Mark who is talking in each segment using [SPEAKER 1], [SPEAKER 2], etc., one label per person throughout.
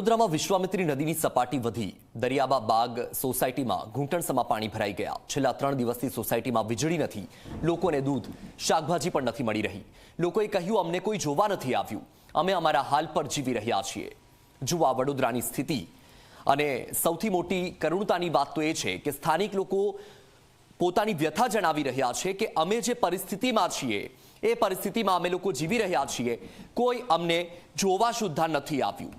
[SPEAKER 1] વડોદરામાં વિશ્વામિત્રી નદીની સપાટી વધી દરિયાબા બાગ સોસાયટીમાં ઘૂંટણસમાં પાણી ભરાઈ ગયા। છેલ્લા 3 દિવસથી સોસાયટીમાં વીજળી નથી, લોકોને દૂધ શાકભાજી પણ નથી મળી રહી। લોકોએ કહ્યું અમને કોઈ જોવા નથી આવ્યું, અમે અમારા હાલ પર જીવી રહ્યા છીએ। જુઓ આ વડોદરાની સ્થિતિ। અને સૌથી મોટી કરુણતાની વાત તો એ છે કે સ્થાનિક લોકો પોતાની વ્યથા જણાવી રહ્યા છે કે અમે જે પરિસ્થિતિમાં છીએ એ પરિસ્થિતિમાં અમે લોકો જીવી રહ્યા છીએ, કોઈ અમને જોવા સુદ્ધા નથી આવ્યું।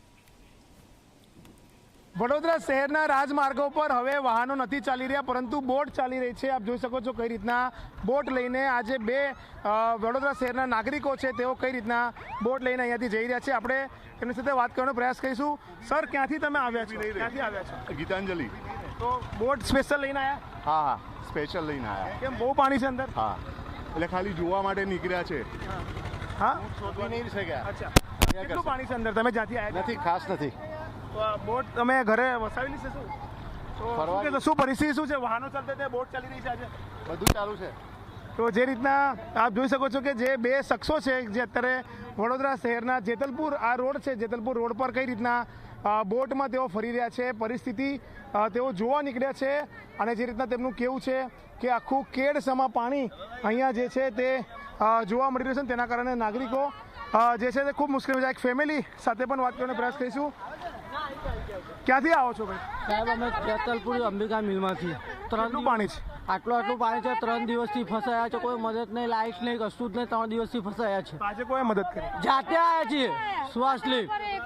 [SPEAKER 2] વડોદરા શહેરના રાજમાર્ગો પર હવે વાહનો નથી ચાલી રહ્યા, પરંતુ બોટ ચાલી રહી છે। આપ જોઈ શકો છો કઈ રીતના બોટ લઈને આજે બે વડોદરા શહેરના નાગરિકો છે તેઓ કઈ રીતના બોટ લઈને અહીંયાથી જઈ રહ્યા છે। આપણે એમની સાથે વાત કરવાનો પ્રયાસ કરીશું। સર, ક્યાંથી તમે આવ્યા છો? ક્યાંથી આવ્યા છો?
[SPEAKER 3] ગીતાંજલિ।
[SPEAKER 2] તો બોટ સ્પેશિયલ લઈને આવ્યા?
[SPEAKER 3] હા હા, સ્પેશિયલ લઈને આવ્યા।
[SPEAKER 2] કેમ, બહુ પાણી છે અંદર?
[SPEAKER 3] હા, એટલે ખાલી જોવા માટે નીકળ્યા છે।
[SPEAKER 2] હા,
[SPEAKER 3] શોધવી નહીં શક્યા।
[SPEAKER 2] અચ્છા, કેટલું પાણી છે અંદર? તમે જ્યાંથી આવ્યા
[SPEAKER 3] નથી, ખાસ નથી।
[SPEAKER 2] તો આ બોટ તમે ઘરે વસાવેલી છે? શું તો શું કહેશો? શું પરિસ્થિતિ શું છે? વાહનો ચાલતા તે બોટ ચાલી રહી છે આજે?
[SPEAKER 3] બધું ચાલુ છે।
[SPEAKER 2] તો જે રીતના આપ જોઈ શકો છો કે જે બે શખ્સો છે જે અત્યારે વડોદરા શહેરના જેતલપુર આ રોડ છે, જેતલપુર રોડ પર કઈ રીતના બોટમાં તેઓ ફરી રહ્યા છે, પરિસ્થિતિ તેઓ જોવા નીકળ્યા છે। અને જે રીતના તેમનું કેવું છે કે આખું કેડસમાં પાણી અહીંયા જે છે તે જોવા મળી રહ્યું છે, તેના કારણે નાગરિકો જે છે તે ખૂબ મુશ્કેલ છે। એક ફેમિલી સાથે પણ વાત કરવાનો પ્રયાસ કરીશું। ક્યાંથી આવો છો ભાઈ?
[SPEAKER 4] સાહેબ, અમે જેતલપુર અંબિકા મિલમાંથી
[SPEAKER 2] કેટલું પાણી છે?
[SPEAKER 4] આટલું પાણી છે। 3 દિવસથી ફસાયા છે, કોઈ મદદ નહીં, લાઇટ નહીં, કશું જ નહીં। 3 દિવસથી ફસાયા છે।
[SPEAKER 2] આજે કોઈ મદદ કરી?
[SPEAKER 4] જાતે આવ્યા છીએ શ્વાસ લે,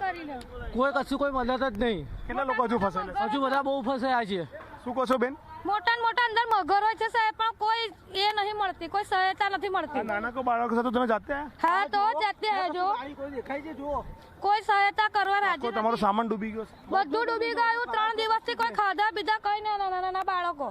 [SPEAKER 4] કોઈ મદદ જ નહીં।
[SPEAKER 2] કેટલા લોકો હજુ ફસાયેલા?
[SPEAKER 4] હજુ બધા બહુ ફસાયા છે।
[SPEAKER 2] શું કહો છો બેન?
[SPEAKER 5] મોટા અંદર મગર હોય છે સાહેબ, પણ કોઈ એ નહીં મળતી, કોઈ સહાયતા નથી મળતી।
[SPEAKER 2] નાના કો બાળકો સાથે તમે જાતે આવ્યા?
[SPEAKER 5] હા, તો જાતે આવજો,
[SPEAKER 4] કોઈ દેખાય છે જુઓ,
[SPEAKER 5] કોઈ સહાયતા કરવા રાજી
[SPEAKER 2] કોઈ તમારો સામાન ડૂબી ગયો છે?
[SPEAKER 5] બધું ડૂબી ગયું। 3 દિવસથી કોઈ ખાધા પીધા કઈ નહીં, નાના બાળકો।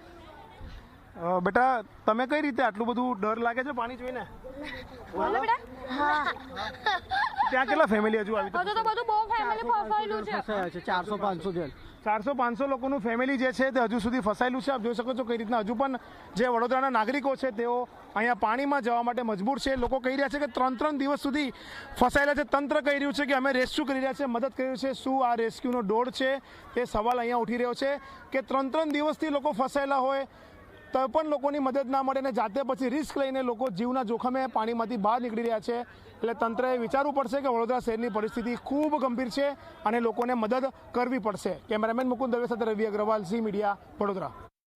[SPEAKER 2] બેટા, તમે કઈ રીતે આટલું બધું ડર લાગે છે પાણી જોઈને?
[SPEAKER 5] બોલો બેટા। હા,
[SPEAKER 2] ત્યાં કેટલા ફેમિલી હજુ આવી?
[SPEAKER 5] હજુ તો બધું બહુ ફેમિલી ફસાયેલું છે।
[SPEAKER 4] ફસાયા છે 400-500 જણ।
[SPEAKER 2] 400-500 લોકોનું ફેમિલી જે છે તે હજુ સુધી ફસાયેલું છે। આપ જોઈ શકો છો કઈ રીતના હજુ પણ જે વડોદરાના નાગરિકો છે તેઓ અહીંયા પાણીમાં જવા માટે મજબૂર છે। લોકો કહી રહ્યા છે કે 3 દિવસ સુધી ફસાયેલા છે। તંત્ર કહી રહ્યું છે કે અમે રેસ્ક્યુ કરી રહ્યા છે, મદદ કરી રહ્યું છે। શું આ રેસ્ક્યુનો દોડ છે તે સવાલ અહીંયા ઉઠી રહ્યો છે કે 3 દિવસથી લોકો ફસાયેલા હોય તો પણ લોકોની મદદ ના મળે ને જાતે પછી રિસ્ક લઈને લોકો જીવના જોખમે પાણીમાંથી બહાર નીકળી રહ્યા છે। એટલે તંત્રએ વિચારવું પડશે કે વડોદરા શહેરની પરિસ્થિતિ ખૂબ ગંભીર છે અને લોકોને મદદ કરવી પડશે। કેમેરામેન મુકુંદ દવે સાથે રવિ અગ્રવાલ, ઝી મીડિયા, વડોદરા।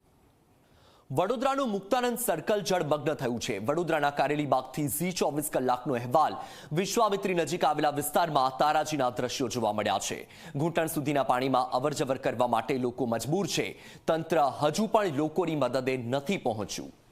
[SPEAKER 1] વડોદરાનું મુક્તાનંદ સર્કલ જળમગ્ન થયું છે। વડોદરાના કારેલીબાગથી ઝી 24 કલાકનો અહેવાલ વિશ્વામિત્રી નજીક આવેલા વિસ્તારમાં તારાજીના દ્રશ્યો જોવા મળ્યા છે। ઘૂંટણ સુધીના પાણીમાં અવરજવર કરવા માટે લોકો મજબૂર છે। તંત્ર હજુ પણ લોકોની મદદે નથી પહોંચ્યું।